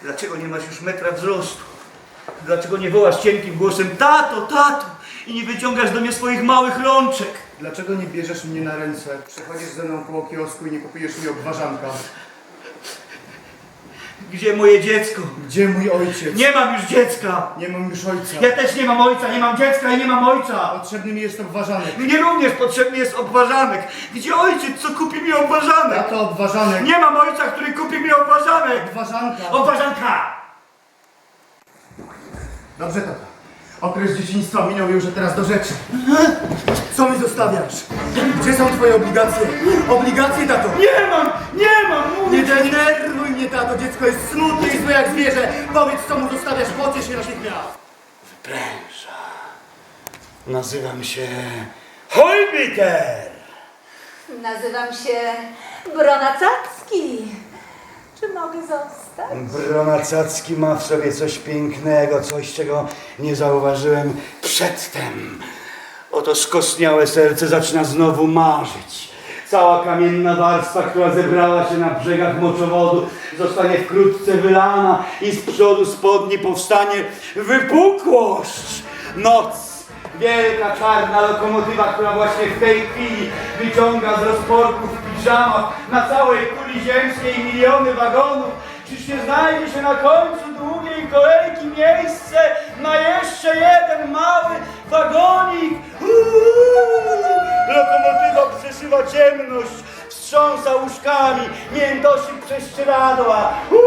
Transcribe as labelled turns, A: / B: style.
A: Dlaczego nie masz już metra wzrostu? Dlaczego nie wołasz cienkim głosem tato, tato i nie wyciągasz do mnie swoich małych rączek?
B: Dlaczego nie bierzesz mnie na ręce? Przechodzisz ze mną koło kiosku i nie kupujesz mi obwarzanka.
A: Gdzie moje dziecko?
B: Gdzie mój ojciec?
A: Nie mam już dziecka!
B: Nie mam już ojca.
A: Ja też nie mam ojca, nie mam dziecka i nie mam ojca!
B: Potrzebny mi jest obwarzanek.
A: Mnie również potrzebny jest obwarzanek. Gdzie ojciec, co kupi mi obwarzanek?
B: Tato, obwarzanek.
A: Nie mam ojca, który kupi mi obwarzanek!
B: Obwarzanka.
A: Obwarzanka!
B: Dobrze, tato. Okres dzieciństwa minął już, a teraz do rzeczy. Co mi zostawiasz? Gdzie są twoje obligacje? Obligacje, tato!
A: Nie mam, mówię!
B: Nie denerwuj mnie, tato! Dziecko jest smutne i złe jak zwierzę! Powiedz, co mu zostawiasz, pociesz się natychmiast!
A: Wypręża. Nazywam się Hojbiter.
C: Nazywam się Bronacacki. Czy mogę zostać?
A: Bronacacki ma w sobie coś pięknego, coś, czego nie zauważyłem przedtem. Oto skostniałe serce zaczyna znowu marzyć. Cała kamienna warstwa, która zebrała się na brzegach moczowodu, zostanie wkrótce wylana i z przodu spodni powstanie wypukłość. Noc. Wielka czarna lokomotywa, która właśnie w tej chwili wyciąga z rozporków w piżamach na całej kuli ziemskiej miliony wagonów. Czyż nie znajdzie się na końcu długiej kolejki miejsce na jeszcze jeden mały wagonik? Lokomotywa przeszywa ciemność, wstrząsa łóżkami, miętosi prześcieradła.